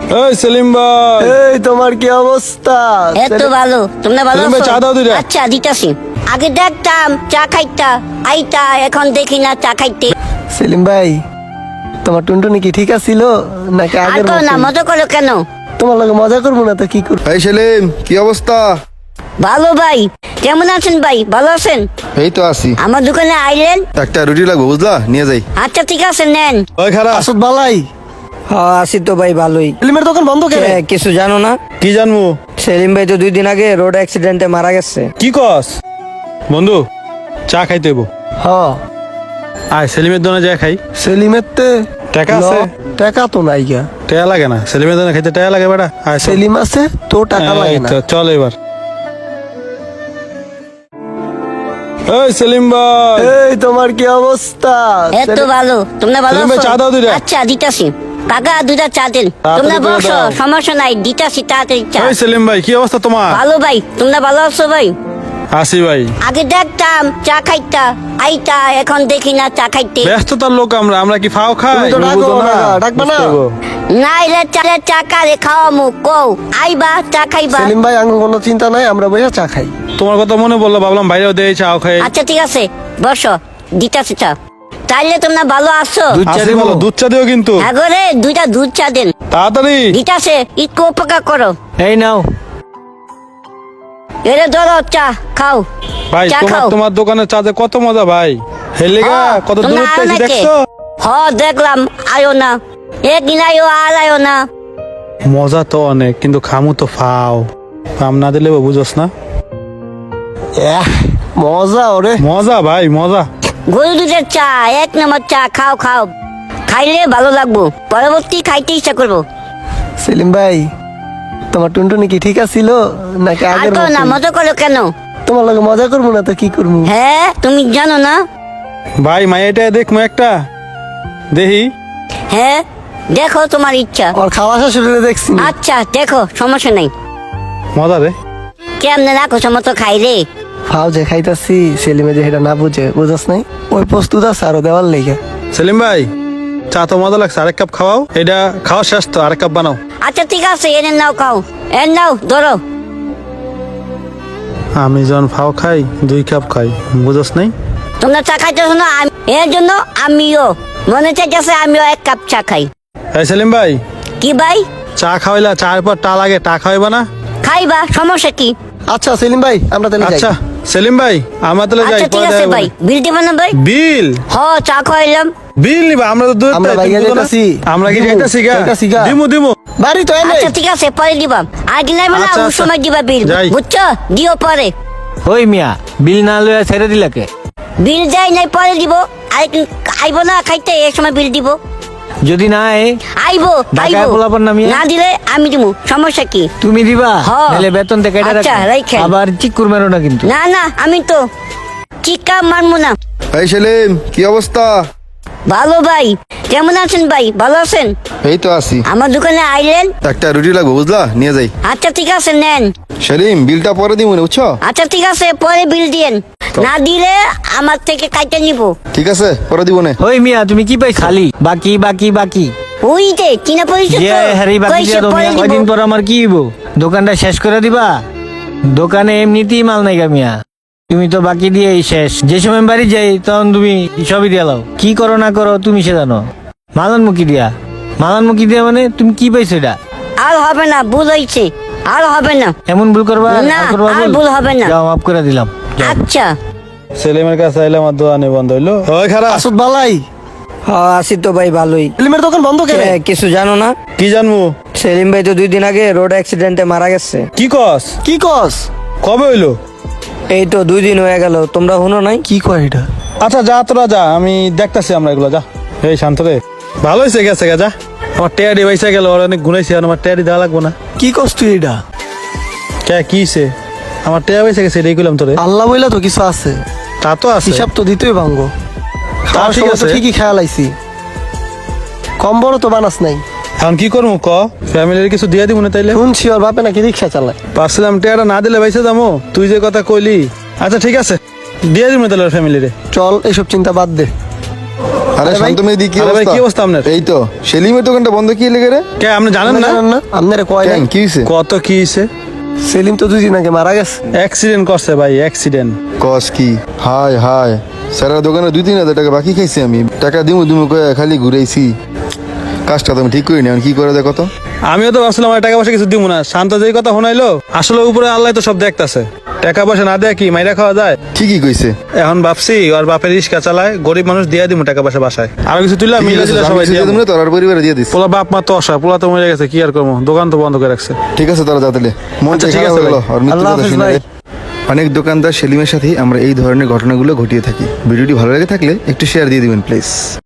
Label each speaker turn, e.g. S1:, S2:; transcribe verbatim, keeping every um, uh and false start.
S1: এই সেলিম ভাই,
S2: এই তোমার কি অবস্থা?
S3: এত ভালো, তোমরা ভালো
S1: সেলিম ভাই,
S3: আছো?
S1: চা দাও দুইটা।
S3: আচ্ছা দিতাছি। আগে দেখতাম চা খাইতা আইতা, এখন দেখি না চা খাইতে।
S2: সেলিম ভাই, তোমার টুনটুনি কি ঠিক আছিল নাকি
S3: আর
S2: আগের
S3: করো না,
S2: মতো?
S3: মজা করো কেন?
S2: তোমার লগে মজা করবো না তো কি করবো?
S4: এই সেলিম, কি অবস্থা?
S3: ভালো ভাই, কেমন আছেন ভাই? ভালো আছেন?
S4: এই তো আছি।
S3: আমার দোকানে আইলেন?
S4: একটা রুটি লাগবে, বুঝলা, নিয়ে যাই।
S3: আচ্ছা ঠিক আছে, নেন।
S1: ওই খারাপ
S2: আসত বালাই,
S5: হ্যাঁ আছি তো ভাই ভালোই।
S2: সেলিমের দোকান বন্ধ কেন?
S5: এ, কিছু জানো না?
S1: কি জানবো?
S5: সেলিম ভাই তো দুই দিন আগে রোড অ্যাক্সিডেন্টে মারা গেছে।
S1: কি কস বন্ধু? চা খাইতে হইব।
S2: হ্যাঁ,
S1: আয় সেলিমের দোকানে যা খাই।
S2: সেলিমের তে
S1: টাকা আছে?
S2: ল, টাকা তো নাই গা।
S1: টাকা লাগে না, সেলিমের দোকানে খাইতে টাকা লাগে বেটা। আয় চল।
S2: সেলিম আছে তো টাকা
S1: এই
S2: লাগে না।
S1: তো, চল এবার। এই সেলিম ভাই,
S2: এই তোমার কি অবস্থা?
S3: এত ভালো, তোমরা ভালো
S1: সেলিম ভাই,
S3: আছো?
S1: চা দাও দুইটা।
S3: আচ্ছা দিতাছি। কাকা দুটা চা দেন।
S1: তাড়াতাড়ি
S3: তোমরা
S1: করে
S3: বসো,
S1: দাও।
S3: সমস্যা নাই, দিতাছি তাড়াতাড়ি চা।
S1: এই সেলিম ভাই, কি অবস্থা তোমার?
S3: ভালো ভাই, তোমরা ভালো আছো ভাই?
S1: আসি ভাই।
S3: আগে দেখতাম চা খাইতা আইতা, এখন দেখি না চা খাইতে।
S1: ব্যস্ততার লোক আমরা, আমরা কি ফাও খাই?
S2: তুমি তো
S1: তুমি
S2: ডাকো
S1: বুঝো
S2: না, ডাকবা না?
S1: বুঝতে হইবো।
S3: নাইলে চালে চা কারে খাওয়ামু কও, আইবা চা খাইবা।
S2: সেলিম ভাই, আঙ্গ কোনো চিন্তা নাই, আমরা বইয়া চা খাই।
S1: তোমার কথা মনে বললো, ভাবলাম বাইরেও দেয় চাও খাই।
S3: আচ্ছা ঠিক আছে, বসো, দিতাছি চা। তাইলে তোমরা ভালো আছো?
S2: দুধ চা
S1: আসি
S2: দিবো?
S1: বলো, দুধ চা দিও কিন্তু
S3: হ্যাঁ গো রে, দুইটা দুধ চা দেন।
S1: তাড়াতাড়ি।
S3: দিতাছে, একটু উপকার করো।
S5: এই নাও।
S3: এরে ধরো চা খাও।
S1: ভাই
S3: চা
S1: তোমার
S3: খাও।
S1: তোমার দোকানের চাতে কত মজা ভাই। হেলিগা
S3: হ্যাঁ,
S1: কত
S3: তোমরা
S1: দূর
S3: আয়ো
S1: থেকে
S3: নাকি?
S1: দেখছো?
S3: হ দেখলাম, আয়ো না। একদিন আয়ো আর আয়ো না।
S1: মজা তো অনেক, কিন্তু খামু তো ফাও। কাম না দিলে বুঝোস না।
S2: এহ, মজা ওরে।
S1: মজা ভাই, মজা।
S3: গরু দুধের চা, এক নম্বর চা, খাও খাও। খাইলে ভালো লাগবো, পরবর্তী খাইতে ইচ্ছা করবো।
S2: সেলিম ভাই, তোমার টুনটুনি কি ঠিক আছিল নাকি
S3: আর
S2: আগের
S3: করো না,
S2: মতো?
S3: মজা করো কেন?
S2: তোমার লগে মজা করবো না তো কি করবো?
S3: হ্যাঁ, তুমি জানো না?
S1: ভাই মাইয়াটা দেখমু একটা, দেখি।
S3: হ্যাঁ দেখো, তোমার ইচ্ছা।
S2: ওর খাওয়া শাশুড়ি দেখছি না।
S3: আচ্ছা দেখো, সমস্যা নাই।
S1: মজা রে।
S3: কেমনে রাখো সমতো খাই রে।
S2: ফাও যে খাইতাছি, সেলিমে যে এটা না বুঝে, বুঝাস নাই? ওই প্রস্তুত আছে আরো দেওয়ার লেগে।
S1: সেলিম ভাই, চা তো মজা লাগছে, আরেক কাপ খাওয়াও। এটা খাওয়া শেষ তো, আরেক কাপ বানাও।
S3: আচ্ছা ঠিক আছে, এনে নাও, খাও। এনে নাও, ধরো।
S1: আমি যখন ফাও খাই, দুই কাপ খাই, বুঝোস নাই?
S3: তোমরা চা খাইতেছো না, আমি- এর জন্য আমিও মনে চাইতেছে আমিও এক কাপ চা খাই।
S1: এই সেলিম ভাই,
S3: কি ভাই?
S1: চা খাওয়াইলা, চার পর টা লাগে, টা খাওয়াইবা না?
S3: খাইবা, সমস্যা কি?
S2: আচ্ছা সেলিম ভাই, আমরা তাহলে যাই।
S1: আচ্ছা সেলিম ভাই, আমরা তাহলে যাই।
S3: আচ্ছা ঠিক
S1: পরে
S3: আছে
S1: দেখা
S3: ভাই,
S1: হবে।
S3: বিল দিবা না ভাই?
S1: বিল?
S3: হ, চা খাইলাম।
S1: বিল নিবা? আমরা তো দূর
S2: আমরা
S1: তাই,
S2: বাইরে
S1: তুমি বুঝো না?
S2: যাইতাছি।
S1: আমরা কি
S2: দিমু,
S1: যাইতাছি গা?
S2: যাইতাছি গা।
S1: দিমু দিমু।
S2: বাড়ি তো এনে।
S3: আচ্ছা ঠিক আছে, পরে দিবা। আর কি নাইবা না,
S1: আচ্ছা,
S3: ওই
S1: আচ্ছা।
S3: সময় দিবা বিল,
S1: যাই।
S3: বুঝছো? দিও পরে।
S5: ওই মিয়া, বিল না লইয়া ছেড়ে দিলাকে?
S3: বিল যাই নাই, পরে দিব। আরেকদিন আইবো না খাইতে, এই সময় বিল দিব।
S5: যদি না আয়,
S3: আইবো
S5: ঢাকায়
S3: আইবো,
S5: পোলাপান না মিয়া?
S3: না দিলে আমি দিব, সমস্যা কি?
S5: তুমি দিবা?
S3: হ্যাঁ।
S5: নাহলে বেতন থেকে কেটে
S3: আচ্ছা,
S5: রাখো।
S3: রাইখেন।
S5: আবার চিকুর মেরো না কিন্তু।
S3: না না, আমি তো চিকা মানবো না।
S4: এই সেলিম, কি অবস্থা?
S3: ভালো ভাই, কেমন আছেন ভাই? ভালো আছেন?
S4: এই তো আছি।
S3: আমার দোকানে আইলেন?
S4: একটা রুটি লাগবে, বুঝলা, নিয়ে যাই।
S3: আচ্ছা ঠিক আছে, নেন।
S4: সেলিম, বিলটা পরে দিব না, বুঝছো?
S3: আচ্ছা ঠিক আছে, পরে বিল দিয়েন। না দিলে আমার থেকে কাইটা নিব।
S4: ঠিক আছে, পরে দিব না।
S5: ওই মিয়া, তুমি কি পাই খালি বাকি বাকি বাকি?
S3: ওই যে চিনা পরিচিত
S5: যে হারি বাকি
S3: কইছে
S5: দিয়া দাও
S3: পরে
S5: মিয়া,
S3: দিব।
S5: কয়দিন পর আমার কি হইব? দোকানটা শেষ করে দিবা? দোকানে এমনিতেই মাল নাই গা মিয়া, তুমি তো বাকি দিয়েই শেষ। যে সময় বাড়ি যাই তখন তুমি সবই দিয়া লাও। কি করো না করো তুমি সে জানো। মালান মুখি দিয়া, মালান মুখি দিয়া মানে তুমি কি পাইছো এটা?
S3: আর হবে না, ভুল হয়েছে, আর হবে না।
S5: এমন ভুল করবা?
S3: না,
S5: আর করবা
S3: আর ভুল হবে না।
S5: যাও, মাফ করে দিলাম। যাও।
S3: আচ্ছা
S1: সেলিমের কাছে আইলে আমার দোকানে বন্ধ হইলো। ওই খারাপ
S2: আসত বালাই,
S5: হ্যাঁ আছি তো ভাই ভালোই।
S2: সেলিমের দোকান বন্ধ কেন?
S5: এ, কিছু জানো না?
S1: কি জানবো?
S5: সেলিম ভাই তো দুই দিন আগে রোড অ্যাক্সিডেন্টে মারা গেছে।
S1: কি কস?
S2: কি কস?
S1: কবে হইলো?
S5: এই তো দুই দিন হয়ে গেল, তোমরা শুনো নাই?
S2: কি কয় এটা?
S1: আচ্ছা যা, তোরা যা, আমি দেখতাছি আমরা এগুলো, যা। এই শান্ত রে, ভালো হয়েছে, গেছে গা, যা। আমার টেয়ারি বাইসা গেল, ওর অনেক গুনাইছে, আর আমার টেয়ারি দেওয়া লাগবো না।
S2: কি কস তুই এটা?
S1: কে কিছে? আমার টেয়া বাইসা গেছে, এটাই কইলাম তোরে।
S2: আল্লাহ বইলা তো কিছু আছে,
S1: তা তো আছে।
S2: হিসাব তো দিতেই ভাঙ্গো। খাওয়ার
S1: ঠিক
S2: সময় তো
S1: আছে।
S2: ঠিকই খেয়াল আইছি, কম বড় তো বানাস নাই।
S1: এখন কি করবো ক? ফ্যামিলির কিছু দিয়ে দিব না তাইলে?
S2: শুনছি ওর বাপে নাকি রিক্সা চালায়।
S1: পারছিলাম টেয়ারা না দিলে বাইসা যাবো, তুই যে কথা কইলি। আচ্ছা ঠিক আছে, দিয়ে দিব না তাহলে ফ্যামিলিরে।
S2: চল, এসব চিন্তা বাদ দে।
S4: আরে
S2: আরে ভাই,
S4: শান্ত মেয়ে দি কি
S1: আরে ভাই,
S4: অবস্থা
S1: কি অবস্থা আপনার?
S4: এই তো সেলিমের দোকানটা বন্ধ কি লেগে রে
S1: কে আপনি জানেন না
S2: জানেন না আপনারা কয়
S4: কেন
S2: নাই?
S4: কি হইছে
S1: কত কি হয়েছে?
S2: সেলিম তো দুই দিন আগে মারা গেছে।
S1: অ্যাক্সিডেন্ট করছে ভাই, অ্যাক্সিডেন্ট।
S4: কস কি হাই হাই স্যারের দোকানে দুই তিন হাজার টাকা বাকি খাইছি আমি টাকা দিমু দিমু কয়ে খালি ঘুরেছি কাজটা তো আমি ঠিক করিনি এখন কি করে দেখো তো
S1: আমিও তো ভাবছিলাম আমার টাকা পয়সা কিছু দিব না, শান্ত যেই কথা শোনাইলো আসলে উপরে আল্লাহ তো সব দেখতাছে। টাকা পয়সা না দেয় কি মাইরা খাওয়া যায়?
S4: ঠিকই কইছে
S1: এখন ভাবছি ওর বাপের রিক্সা চালায়, গরিব মানুষ দিয়ে দিব টাকা পয়সা বাসায়, আরো কিছু তুইলা মিলে দিলে সবাই দিয়ে
S4: তুমি তোর আর পরিবারে দিয়ে দিস
S1: পোলা বাপ মা তো অসহায়, পোলা তো মরে গেছে, কি আর করবো, দোকান তো বন্ধ করে রাখছে।
S4: ঠিক আছে তারা যাতে মন
S1: আচ্ছা,
S4: ঠিক
S1: ঠিক
S4: আছে
S1: আছে ভাই।
S4: আর মৃত্যুর
S2: আল্লাহ
S4: কথা
S2: হাফেজ
S4: শুনে
S2: ভাই।
S4: অনেক দোকানদার সেলিমের সাথে আমরা এই ধরনের ঘটনাগুলো ঘটিয়ে থাকি ভিডিওটি ভালো লেগে থাকলে একটু শেয়ার দিয়ে দিবেন প্লিজ।